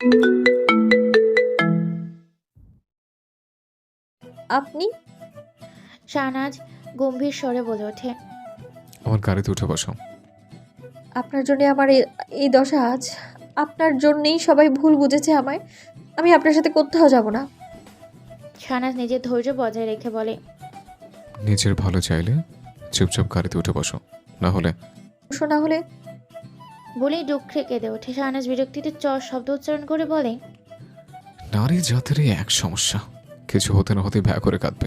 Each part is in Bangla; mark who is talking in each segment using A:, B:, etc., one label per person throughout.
A: আপনি?
B: শাহনাজ গম্ভীর স্বরে বলে ওঠে।
C: আমার গাড়িতে উঠে বসো।
A: আপনার জন্যে আমার এই দশা আজ। আপনার জন্যেই সবাই ভুল বুঝেছে আমায়। আমি আপনার সাথে কোথাও যাব না।
B: শাহনাজ নিজের ধৈর্য বজায় রেখে বলে।
C: নিজের ভালো চাইলে চুপচাপ গাড়িতে উঠে বসো, না হলে।
A: শোনা হলে
B: বলেই দুঃখে কেঁদে ওঠে। শাহনাজ বিরক্তিতে শব্দ উচ্চারণ করে বলে।
C: নারী জাতেরই এক সমস্যা, কিছু হতে না হতে ভ্যা করে কাঁদবে।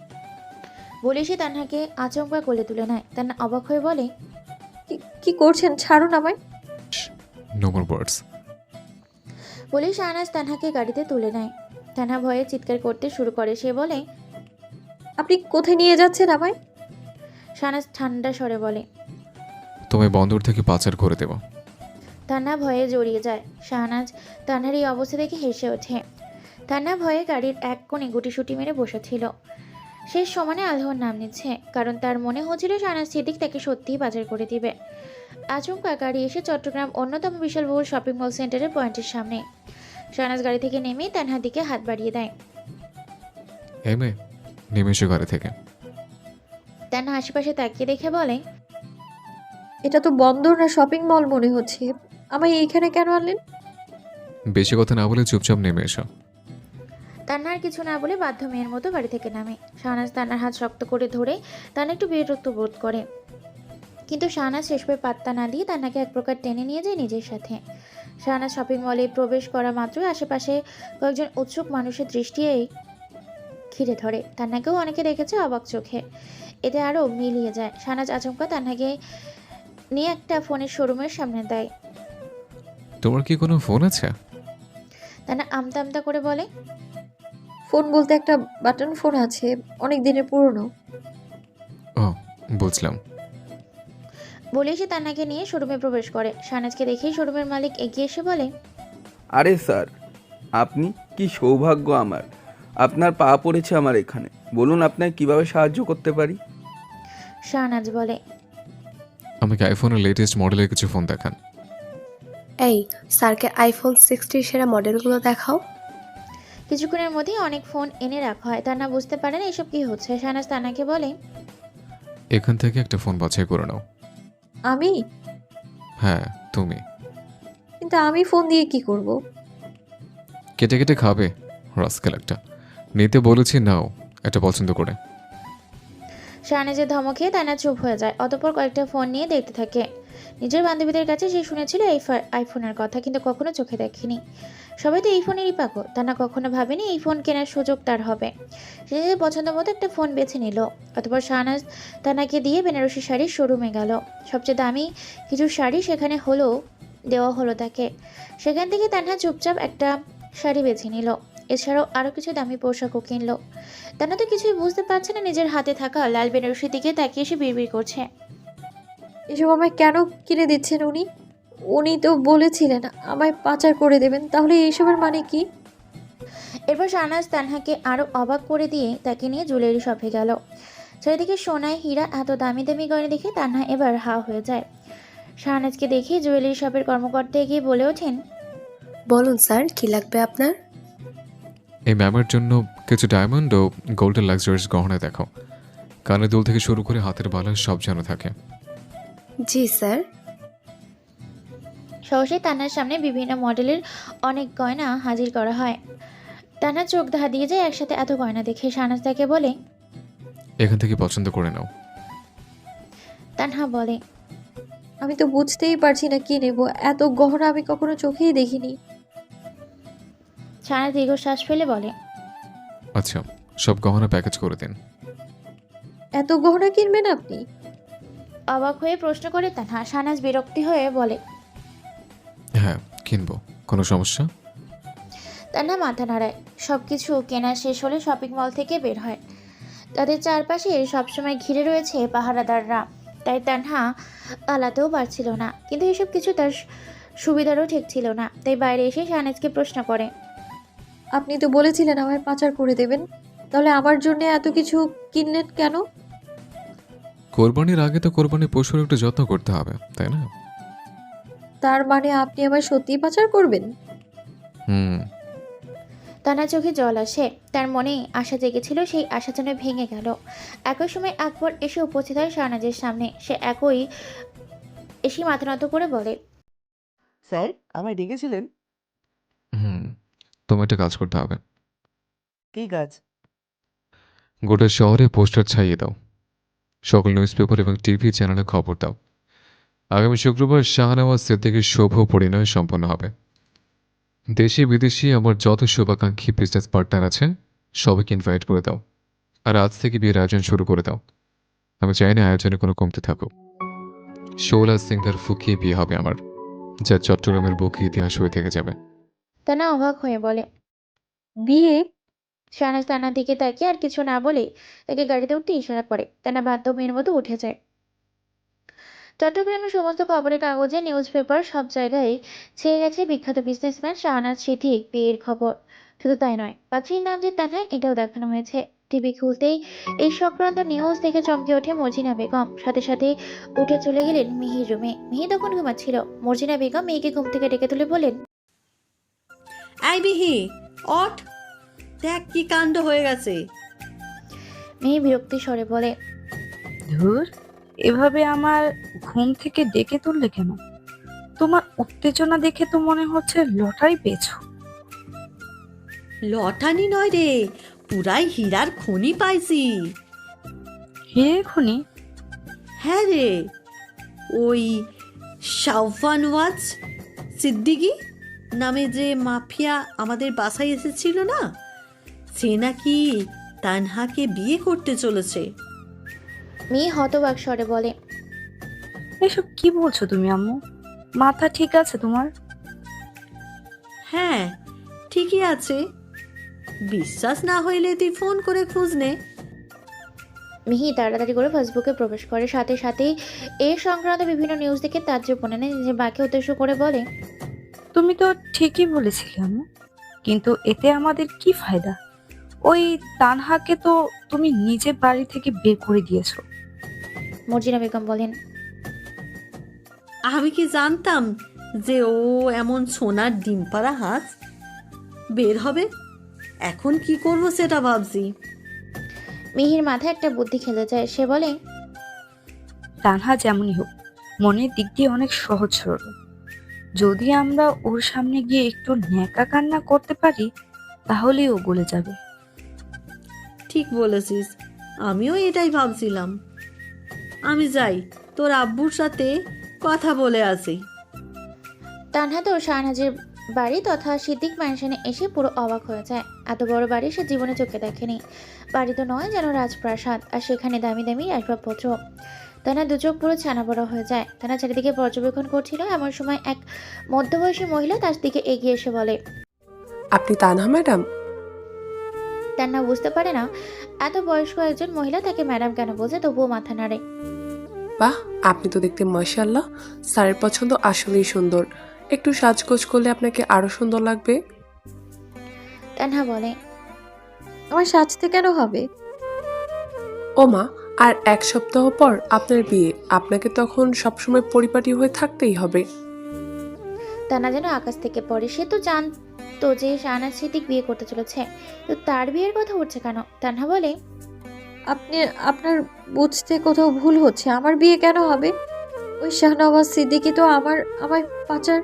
B: বলে সে তানহাকে আচমকা কোলে তুলে নেয়। তান্না অবাক হয়ে বলে।
A: কি করছেন? ছাড়ুন আমায়।
C: No more words.
B: বলে শাহনাজ তানহাকে গাড়িতে তুলে নেয়। তানহা ভয়ে চিৎকার করতে শুরু করে। সে বলে।
A: আপনি কোথায় নিয়ে যাচ্ছেন আমায়?
B: শাহনাজ ঠান্ডা স্বরে বলে।
C: তোমায় বন্দর থেকে পাচার করে দেব।
B: তান্না ভয়ে জড়িয়ে যায়। শাহনাজ তানহার এই অবস্থা দেখে হেসে ওঠে। তান্না ভয়ে গাড়ির এক কোণে গুটিসুটি মেরে বসেছিল। শেষ সমানে আল্লাহর নাম নিচ্ছে, কারণ তার মনে হচ্ছিল শাহনাজ সিদ্দিক তাকে সত্যিই পাচার করে দিবে। আচমকা গাড়ি এসে চট্টগ্রাম অন্যতম বিশালবহুল শপিং মল সেন্টারের পয়েন্টের সামনে। শাহনাজ গাড়ি থেকে নেমে তানহার দিকে হাত বাড়িয়ে দেয়।
C: এই মেয়ে, নেমে এসো গাড়ি থেকে।
B: তানহা আশেপাশে তাকিয়ে দেখে বলে।
A: এটা তো বন্দর না শপিং মল মনে হচ্ছে। আমায় এইখানে কেন আনলেন?
C: বেশি কথা না বলে চুপচাপ নেমে এসো।
B: তান্নার কিছু না বলে বাধ্য মেয়ের মতো বাড়ি থেকে নামে। শাহনাজ তান্নার হাত শক্ত করে ধরে তান্না একটু বিরক্ত বোধ করে, কিন্তু শাহনাজ শেষবে পাত্তা না দিয়ে তান্নাকে এক প্রকার টেনে নিয়ে যায় নিজের সাথে। শাহনাজ শপিং মলে প্রবেশ করা মাত্রই আশেপাশে কয়েকজন উৎসুক মানুষের দৃষ্টি ঘিরে ধরে। তান্নাকেও অনেকে দেখেছে অবাক চোখে। এতে আরও মিলিয়ে যায়। শাহনাজ আচমকা তান্নাকে নিয়ে একটা ফোনের শোরুমের সামনে দেয়।
C: তোমার কি কোনো ফোন আছে?
B: তান্না আমতা আমতা করে বলে।
A: ফোন বলতে একটা বাটন ফোন আছে, অনেক দিনের পুরনো।
C: ও, বুঝলাম।
B: বলে সে তান্নাকে নিয়ে শোরুমে প্রবেশ করে। শাহনাজকে দেখেই শোরুমের মালিক এগিয়ে এসে বলে।
D: আরে স্যার, আপনি, কি সৌভাগ্য আমার, আপনার পা পড়েছে আমার এখানে। বলুন আপনাকে কিভাবে সাহায্য করতে পারি।
B: শাহনাজ বলে।
C: আমাকে আইফোনের লেটেস্ট মডেলের কিছু ফোন দেখান।
E: এই, স্যারকে আইফোন 60 সেরা মডেলগুলো দেখাও।
B: কিছুক্ষণের মধ্যেই অনেক ফোন এনে রাখা হয়। তান্না বুঝতে পারে না এসব কি হচ্ছে। শাহনাজ তান্নাকে বলে।
C: এখান থেকে একটা ফোন বাছাই করে নাও।
A: আমি?
C: হ্যাঁ, তুমি।
A: কিন্তু আমি ফোন দিয়ে কি করব?
C: কেটে কেটে খাবে রাস্কেল একটা। নিতে বলেছি, নাও এটা পছন্দ করে।
B: শাহনাজের ধমক খেয়ে তান্না চুপ হয়ে যায়। অতঃপর কয়েকটা ফোন নিয়ে দেখতে থাকে। নিজের বান্ধবীদের কাছে সে শুনেছিল এই আইফোনের কথা, কিন্তু কখনো চোখে দেখেনি। সবাই তো এই ফোনেরই পাগল। তান্না কখনো ভাবেনি এই ফোন কেনার সুযোগ তার হবে। সে নিজের পছন্দ মতো একটা ফোন বেছে নিল। অতঃপর শাহনাজ তান্নাকে দিয়ে বেনারসি শাড়ির শোরুমে গেল। সবচেয়ে দামি কিছু শাড়ি সেখানে দেওয়া হলো তাকে। সেখান থেকে তান্না চুপচাপ একটা শাড়ি বেছে নিল। এছাড়াও আরও কিছু দামি পোশাকও কিনলো। তান্না তো কিছুই বুঝতে পারছে না। নিজের হাতে থাকা লাল বেনারসির দিকে তাকিয়ে সে বিড়বিড় করছে।
A: এসব আমায় কেন কিনে দিচ্ছেন উনি? উনি তো বলেছিলেন আমায় পাচার করে দেবেন। তাহলে এইসবের মানে কি?
B: এরপর শাহনাজ তানহাকে আরও অবাক করে দিয়ে তাকে নিয়ে জুয়েলারি শপে গেল। চারিদিকে সোনায় হীরা এত দামি দামি গয়না দেখে তানহা এবার হা হয়ে যায়। শাহনাজকে দেখে জুয়েলারি শপের কর্মকর্তা এগিয়ে বলে ওঠেন।
E: বলুন স্যার, কি লাগবে আপনার?
C: এই ম্যামের জন্য কিছু ডায়মন্ড ও গোল্ডেন লাক্সারিস গহনা দেখাও। কানের দুল থেকে শুরু করে হাতের বালা সব যেন থাকে।
E: জি স্যার।
B: সহসেই তান্নার সামনে বিভিন্ন মডেলের অনেক গয়না হাজির করা হয়। তান্নার চোখ ধাঁধিয়ে যায় একসাথে এত গয়না দেখে। শাহনাজ তাকে বলে।
C: এখান থেকে পছন্দ করে নাও।
B: তানহা বলে।
A: আমি তো বুঝতেই পারছি না কি নেব। এত গহনা আমি কখনো চোখেই দেখিনি।
B: শাহনাজ দীর্ঘশ্বাস ফেলে বলে।
C: আচ্ছা, সব গহনা প্যাকেজ করে দিন।
A: এত গহনা কিনবেন আপনি?
B: অবাক হয়ে প্রশ্ন করে তানহা। শাহনাজ বিরক্তি হয়ে বলে।
C: হ্যাঁ, কিনবো। কোনো সমস্যা?
B: তান্না মাথা নাড়ায়। সব কিছু কেনা শেষ হলে শপিং মল থেকে বের হয়। তাদের চারপাশে সবসময় ঘিরে রয়েছে পাহারাদাররা, তাই তান্হা পালাতেও পারছিল না। কিন্তু এসব কিছু তার সুবিধারও ঠিক ছিল না। তাই বাইরে এসে শাহনাজকে প্রশ্ন করে।
A: আপনি তো বলেছিলেন আমায় পাচার করে দেবেন। তাহলে আমার জন্য এত কিছু কিনলেন কেন?
C: কোরবানির আগে তো কোরবানির পশুর একটু যত্ন করতে হবে, তাই না?
A: তার মানে আপনি আমায় সত্যিই পাচার করবেন?
C: হুম।
B: তানার চোখে জল আসে। তার মনে আশা জেগেছিল, সেই আশা যেন ভেঙে গেল। একই সময় আকবর এসে উপস্থিত হয় শাহনাজের সামনে। সে এসে মাথা নত করে বলে,
F: স্যার, আমায় ডেকেছিলেন?
C: হুম। তোমার একটা কাজ করতে হবে।
F: কী কাজ?
C: গোটা শহরে পোস্টার ছাইয়ে দাও, সকল নিউজ পেপার এবং টিভি চ্যানেলে খবর দাও। আগামী শুক্রবার শাহনওয়াজ সিদ্দিকীর শুভ পরিণয় সম্পন্ন হবে। দেশি বিদেশি আমার যত শুভাকাঙ্ক্ষী বিজনেস পার্টনার আছে সবাইকে ইনভাইট করে দাও। আর আজ থেকে বিয়ের আয়োজন শুরু করে দাও। আমি চাই না আয়োজনে কোনো কমতে থাকুক। শোলা সিংহার ফুকিয়ে বিয়ে হবে আমার, যা চট্টগ্রামের বুকে ইতিহাস হয়ে থেকে যাবে।
B: তানা অবাক হয়ে বলে।
A: বিয়ে?
B: শাহনাজ তানার দিকে তাকিয়ে আর কিছু না বলে তাকে গাড়িতে উঠতে ইশারা করে। তানা বাধ্য মেয়ের মতো উঠে যায়। চট্টগ্রামের সমস্ত খবরের কাগজে, নিউজ পেপার, সব জায়গায় ছেয়ে গেছে বিখ্যাত বিজনেসম্যান শাহনাজ সিদ্দিক বিয়ের খবর। শুধু তাই নয়, পাত্রীর নাম যে তানহা, এটাও দেখানো হয়েছে। টিভি খুলতেই এই সংক্রান্ত নিউজ দেখে চমকে ওঠে মর্জিনা বেগম। সাথে সাথে উঠে চলে গেলেন মিহির রুমে। মিহি তখন ঘুমাচ্ছিল। মর্জিনা বেগম মেয়েকে ঘুম থেকে ডেকে তুলে বলেন,
G: এই বিহি, অট, দেখ কি কাণ্ড হয়ে গেছে।
B: মিহি বিরক্তি স্বরে বলে,
H: ধুর, এভাবে আমার ঘুম থেকে ডেকে তুললে কেন? তোমার উত্তেজনা দেখে তো মনে হচ্ছে লটারি পেয়েছো।
G: লটানি নয় রে, পুরাই হীরার খনি পাইছি।
H: হে খুনি?
G: হ্যাঁ রে, ওই শাওফানওয়াজ সিদ্দিকী নামে যে মাফিয়া আমাদের বাসায় এসেছিল না, সে নাকি তানহাকে বিয়ে করতে চলেছে।
B: মিহি হতবাক স্বরে বলে,
H: এসব কি বলছো তুমি আম্মু? মাথা ঠিক আছে তোমার?
G: হ্যাঁ, ঠিকই আছে। বিশ্বাস না হইলে তুই ফোন করে খোঁজ নে।
B: মিহি তাড়াতাড়ি করে ফেসবুকে প্রবেশ করে। সাথে সাথেই এ সংক্রান্ত বিভিন্ন নিউজ দেখে তাজ্জব মনে নেয়। নিজের মাকে উদ্দেশ্য করে বলে,
H: তুমি তো ঠিকই বলেছিলে আম্মু, কিন্তু এতে আমাদের কি ফায়দা? ওই তানহাকে তো তুমি নিজে বাড়ি থেকে বের করে দিয়েছো।
B: মর্জিনা বেগম বলেন,
G: আমি কি জানতাম যে ও এমন সোনার ডিম পাড়া হাঁস বের হবে? এখন কি করব সেটা ভাবছি।
B: মিহির মাথায় একটা বুদ্ধি খেলে যায়। সে বলে,
H: তানহা যেমনই হোক, মনের দিক দিয়ে অনেক সহজ সরল। যদি আমরা ওর সামনে গিয়ে একটু ন্যাকা কান্না করতে পারি, তাহলেই ও গলে যাবে।
G: ঠিক বলেছিস, আমিও এটাই ভাবছিলাম। আমি যাই, তোর আব্বুর সাথে কথা বলে আসি।
B: তানহা তো শাহনাজের বাড়ি তথা সিদ্দিক ম্যানশনে এসে পুরো অবাক হয়ে যায়। এত বড় বাড়ি সে জীবনে চোখে দেখেনি। বাড়ি তো নয়, যেন রাজপ্রাসাদ, আর সেখানে দামি দামি আসবাবপত্র। তানা দু চোখ পুরো ছানা বড় হয়ে যায়। তানা চারিদিকে পর্যবেক্ষণ করছিল। এমন সময় এক মধ্যবয়সী মহিলা তার দিকে এগিয়ে এসে বলে,
I: আপনি তানহা ম্যাডাম?
B: তান্না বুঝতে পারে না এত বয়স্ক একজন মহিলা তাকে ম্যাডাম কেন বোঝে, তবুও মাথা নাড়ে।
I: বাহ, আপনি তো দেখতে মাশাআল্লাহ। স্যারের পছন্দ আসলেই সুন্দর। একটু সাজগোজ করলে আপনাকে আরো সুন্দর লাগবে।
B: তান্হা বলে,
A: আমার সাজতে কেন হবে?
I: ও মা, আর এক সপ্তাহ পর আপনার বিয়ে, আপনাকে তখন সবসময় পরিপাটি হয়ে থাকতেই হবে।
B: তান্না যেন আকাশ থেকে পড়ে। সে তো জানতো যে শাহনাজ সিদ্দিক বিয়ে করতে চলেছে, তো তার বিয়ের কথা উঠছে কেন? তান্হা বলে,
A: আপনার বুঝতে কোথাও ভুল হচ্ছে। আমার বিয়ে কেন হবে? ওই শাহনওয়াজ সিদ্দিকী তো আমার পাচার।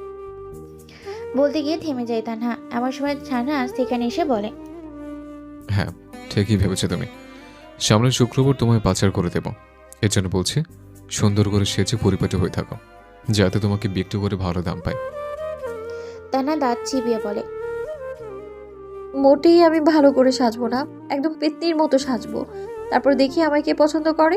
B: বলতে গিয়ে থেমে যায় তান্হা। এমন সময় শাহনাজ সেখানে এসে বলে,
C: হ্যাঁ, ঠিকই ভেবেছো তুমি। সামনের শুক্রবার তোমায় পাচার করে দেব। এর জন্য বলছি, সুন্দর করে সেচে পরিপাটি হয়ে থাকো, যাতে তোমাকে বিক্রি করে ভালো দাম পায়।
B: তান্হা দাঁত চিবিয়ে বলে,
A: মোটেই আমি ভালো করে সাজবো না, একদম পেত্নির মতো সাজবো। তারপর দেখি আমায় কে পছন্দ করে।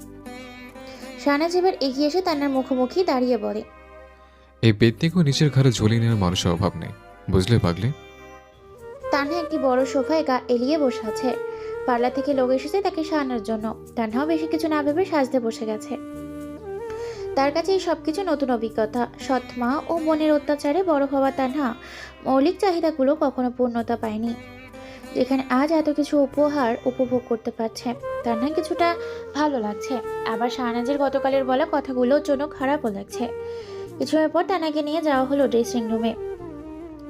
B: শাহনাজ এবার এগিয়ে এসে তান্নার মুখোমুখি দাঁড়িয়ে বলে,
C: এই পেতনিকেও নিচের ঘরে ঝুলিয়ে নেওয়ার মানুষের অভাব নেই, বুঝলে পাগলে?
B: তান্হা একটি বড় সোফায় গা এলিয়ে বসে আছে। পার্লার থেকে লোক এসেছে তাকে সারানোর জন্য। তান্হাও বেশি কিছু না ভেবে সাজতে বসে গেছে। তার কাছে এই সবকিছু নতুন অভিজ্ঞতা। সৎ মা ও মনের অত্যাচারে বড় হওয়া তান্হা মৌলিক চাহিদাগুলো কখনো পূর্ণতা পায়নি, যেখানে আজ এত কিছু উপহার উপভোগ করতে পারছে। তান্হা কিছুটা ভালো লাগছে, আবার শাহনাজের গতকালের বলা কথাগুলোর জন্য খারাপও লাগছে। কিছু সময় পর তান্হাকে নিয়ে যাওয়া হলো ড্রেসিং রুমে।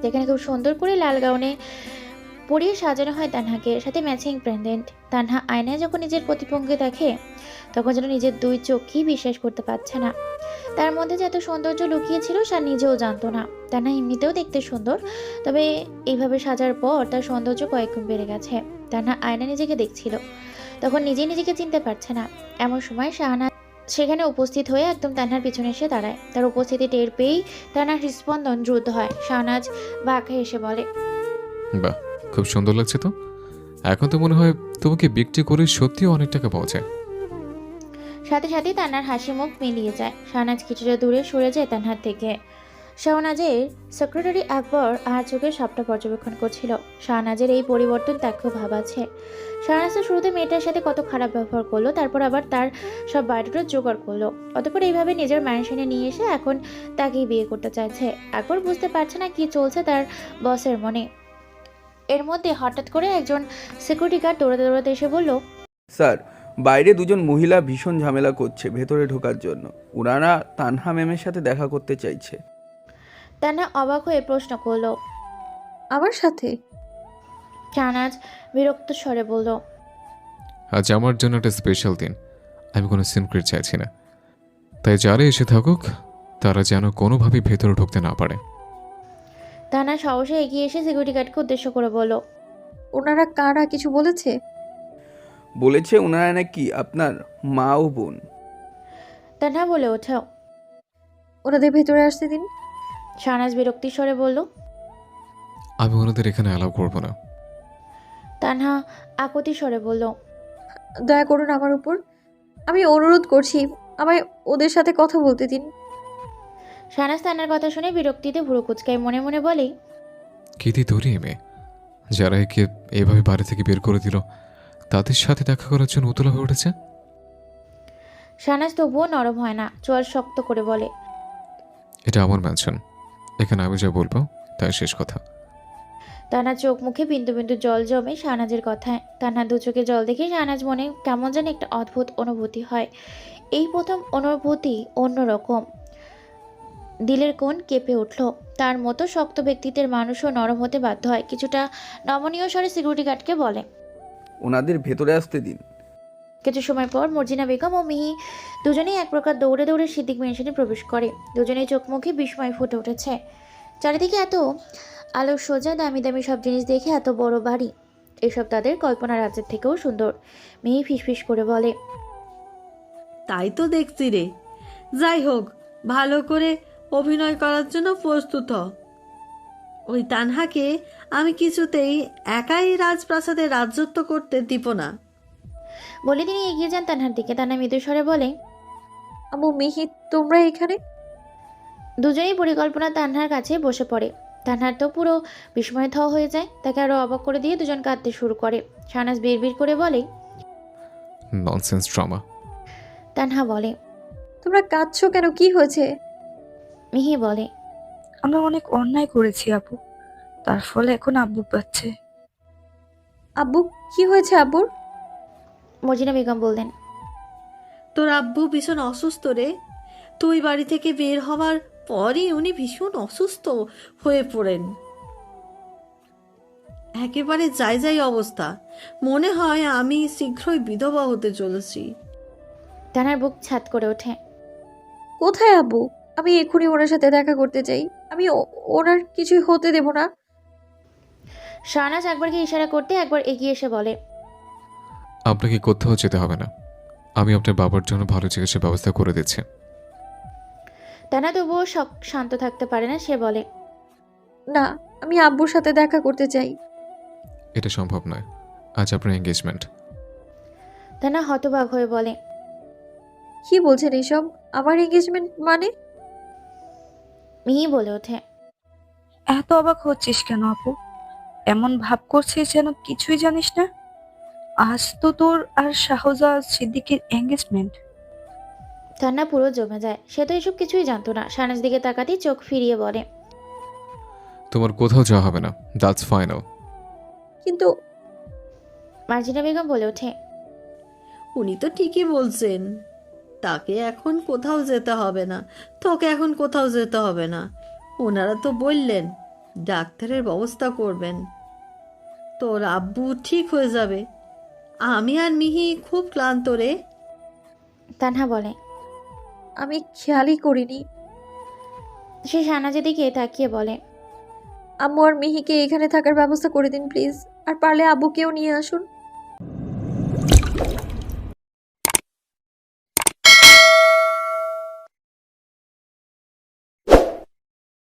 B: যেখানে খুব সুন্দর করে লাল গাউনে পরিয়ে সাজানো হয় তানহাকে, সাথে ম্যাচিং প্রেন্ডেন্ট। তানহা আয়নায় যখন নিজের প্রতিভঙ্গি দেখে তখন যেন নিজের দুই চোখই বিশ্বাস করতে পারছে না। তার মধ্যে যে এত সৌন্দর্য লুকিয়েছিল সে নিজেও জানতো না। তানহা এমনিতেও দেখতে সুন্দর, তবে এইভাবে সাজার পর তার সৌন্দর্য কয়েকগুণ বেড়ে গেছে। তানহা আয়না নিজেকে দেখছিল, তখন নিজেই নিজেকে চিনতে পারছে না। এমন সময় শাহানা সেখানে উপস্থিত হয়ে একদম তানহার পিছনে এসে দাঁড়ায়। তার উপস্থিতি টের পেয়েই তানহার হৃস্পন্দন দ্রুত হয়। শাহনাজ বাঁকা এসে বলে,
C: বাহ, খুব সুন্দর লাগছে তো। এখন তো মনে হয় তোমাকে বিক্রি করে সত্যিই অনেক টাকা পাওয়া যায়।
B: সাথে সাথে তান্নার হাসি মুখ মিলিয়ে যায়। শাহনাজ কিছুটা দূরে সরে যায় তানহার থেকে। শাহনাজের সেক্রেটারি আকবর আর চোখে সবটা পর্যবেক্ষণ করছিল। শাহনাজের এই পরিবর্তন তার খুব ভাবাচ্ছে। শাহনাজ তো শুরুতে মেয়েটার সাথে কত খারাপ ব্যবহার করলো, তারপর আবার তার সব বাড়িটা জোগাড় করলো, অতপর এইভাবে নিজের ম্যানশনে নিয়ে এসে এখন তাকেই বিয়ে করতে চাইছে। আকবর বুঝতে পারছে না কি চলছে তার বসের মনে। এর মধ্যে হঠাৎ করে একজন সিকিউরিটি গার্ড দৌড়াতে দৌড়াতে এসে বলল,
D: স্যার, বাইরে দুজন মহিলা ভীষণ ঝামেলা করছে ভেতরে ঢোকার জন্য। ওনারা তানহা ম্যামের সাথে দেখা করতে চাইছে।
B: তান্না অবাক হয়ে প্রশ্ন করলো,
A: আমার সাথে?
B: শাহনাজ বিরক্ত স্বরে বলল,
C: আজ আমার জন্য একটা স্পেশাল দিন। আমি কোনো সিক্রেট চাইছি না, তাই যারা এসে থাকুক তারা যেন কোনোভাবেই ভেতরে ঢুকতে না পারে।
B: তান্না সাহসে এগিয়ে এসে সিকিউরিটি গার্ডকে উদ্দেশ্য করে বলল,
A: ওনারা কারা কিছু বলেছে?
D: বলেছে ওনারা নাকি আপনার মা ও বোন।
B: তান্না বলে ওঠে।
A: ওনাদের ভেতরে আসতে দিন।
B: শাহনাজ বিরক্তির স্বরে বলল।
C: আমি ওনাদের এখানে অ্যালাউ করবো না।
B: তান্হা আকতি স্বরে বলল,
A: দয়া করুন আমার উপর, আমি অনুরোধ করছি, আমায় ওদের সাথে কথা বলতে দিন।
B: শাহনাজ তান্নার কথা শুনে বিরক্তিতে ভুরু কুচকায়, মনে মনে বলে,
C: কি দি দৌড়ি মেয়ে, যারা একে এভাবে বাড়ি থেকে বের করে দিল তাদের সাথে দেখা করার জন্য উতলা হয়ে উঠেছে।
B: শাহনাজ তবুও নরম হয় না, চোয়াল শক্ত করে বলে,
C: এটা আমার ম্যানশন, এখানে আমি যা বলবো তাই শেষ কথা।
B: তান্নার চোখ মুখে বিন্দু বিন্দু জল জমে শাহনাজের কথায়। তান্নার দু চোখে জল দেখে শাহনাজ মনে কেমন যেন একটা অদ্ভুত অনুভূতি হয়। এই প্রথম অনুভূতি অন্যরকম। দিলের কোণ কেঁপে উঠল। তার মতো শক্ত ব্যক্তিত্বের মানুষও নরম হতে বাধ্য হয়। কিছুটা নমনীয় স্বরে সিকিউরিটি গার্ডকে বলে,
D: ওনাদের ভেতরে আসতে দিন।
B: কিছু সময় পর মর্জিনা বেগম ও মিহি দুজনেই এক প্রকার দৌড়ে দৌড়ে সিদ্দিক মেনশনে প্রবেশ করে। দুজনেই চোখ মুখে বিস্ময় ফুটে উঠেছে। চারিদিকে এত আলো সোজা, দামি দামি সব জিনিস দেখে এত বড় বাড়ি, এসব তাদের কল্পনা রাজ্যের থেকেও সুন্দর। মিহি ফিসফিস করে বলে,
G: তাই তো দেখছি রে। যাই হোক, ভালো করে অভিনয় করার জন্য প্রস্তুত হ। ওই তানহাকে আমি কিছুতেই একাই রাজপ্রাসাদে রাজত্ব করতে দিব না।
B: বলে তিনি এগিয়ে যান তানহার দিকে। তান্না মৃদু স্বরে বলে,
A: আম্মু, মিহি, তোমরা এখানে?
B: দুজনেই পরিকল্পনা তানহার কাছে বসে পড়ে। তানহার তো পুরো বিস্ময়ে থ হয়ে যায়। তাকে আরো অবাক করে দিয়ে দুজন কাঁদতে শুরু করে। শাহনাজ বিড়বিড় করে বলে,
C: ননসেন্স ড্রামা।
B: তানহা বলে,
A: তোমরা কাঁদছো কেন? কি হয়েছে?
B: মিহি বলে,
H: আমরা অনেক অন্যায় করেছি আপু, তার ফলে এখন আব্বু পাচ্ছে।
A: আব্বু, কি হয়েছে আব্বুর?
B: মর্জিনা বেগম বললেন,
G: তোর আব্বু ভীষণ অসুস্থ রে। তুই বাড়ি থেকে বের হওয়ার পরই উনি ভীষণ অসুস্থ হয়ে পড়েন। একেবারে যাই যাই অবস্থা। মনে হয় আমি শীঘ্রই বিধবা হতে চলেছি।
B: তানহার বুক ছাদ করে ওঠে।
A: কোথায় আব্বু? আমি এক্ষুনি ওনার সাথে দেখা করতে চাই। আমি ওনার কিছুই হতে দেব না।
B: শাহনাজ একবারকে ইশারা করতে একবার এগিয়ে এসে বলে,
C: আপনাকে কোথাও যেতে হবে না, আমি আপনার বাবার জন্য ভালো চিকিৎসার ব্যবস্থা করে দিচ্ছি।
B: তানা তবুও শান্ত থাকতে পারে না। সে বলে,
A: না, আমি আব্বুর সাথে দেখা করতে চাই।
C: এটা সম্ভব নয়, আজ আপনার এঙ্গেজমেন্ট।
B: তানা হতবাক হয়ে বলে,
A: কি বলছেন এইসব? আমার এঙ্গেজমেন্ট মানে?
B: মিহি বলে ওঠে,
H: এত অবাক হচ্ছিস কেন আপু? এমন ভাব করছিস যেন কিছুই জানিস না। আজ তো তোর আর শাহজাদ সিদ্দিকের এঙ্গেজমেন্ট।
B: তান্না পুরো জমে যায়। সে তো এসব কিছুই জানতো না। শাহনাজ দিকে তাকাতেই চোখ ফিরিয়ে বলে,
C: তোমার কোথাও যাওয়া হবে না, দ্যাটস ফাইনাল।
A: কিন্তু
B: মার্জিনা বেগম বলে ওঠে,
G: উনি তো ঠিকই বলছেন। তাকে এখন কোথাও যেতে হবে না, তোকে এখন কোথাও যেতে হবে না। ওনারা তো বললেন ডাক্তারের ব্যবস্থা করবেন। তোর আব্বু ঠিক হয়ে যাবে। আমি আর মিহি খুব ক্লান্ত রে।
B: তানহা বলে।
A: আমি খেয়ালই করিনি।
B: সে শাহনাজের দিকে তাকিয়ে বলে,
A: আম্মু আর মিহিকে এখানে থাকার ব্যবস্থা করে দিন প্লিজ, আর পারলে আব্বুকেও নিয়ে আসুন।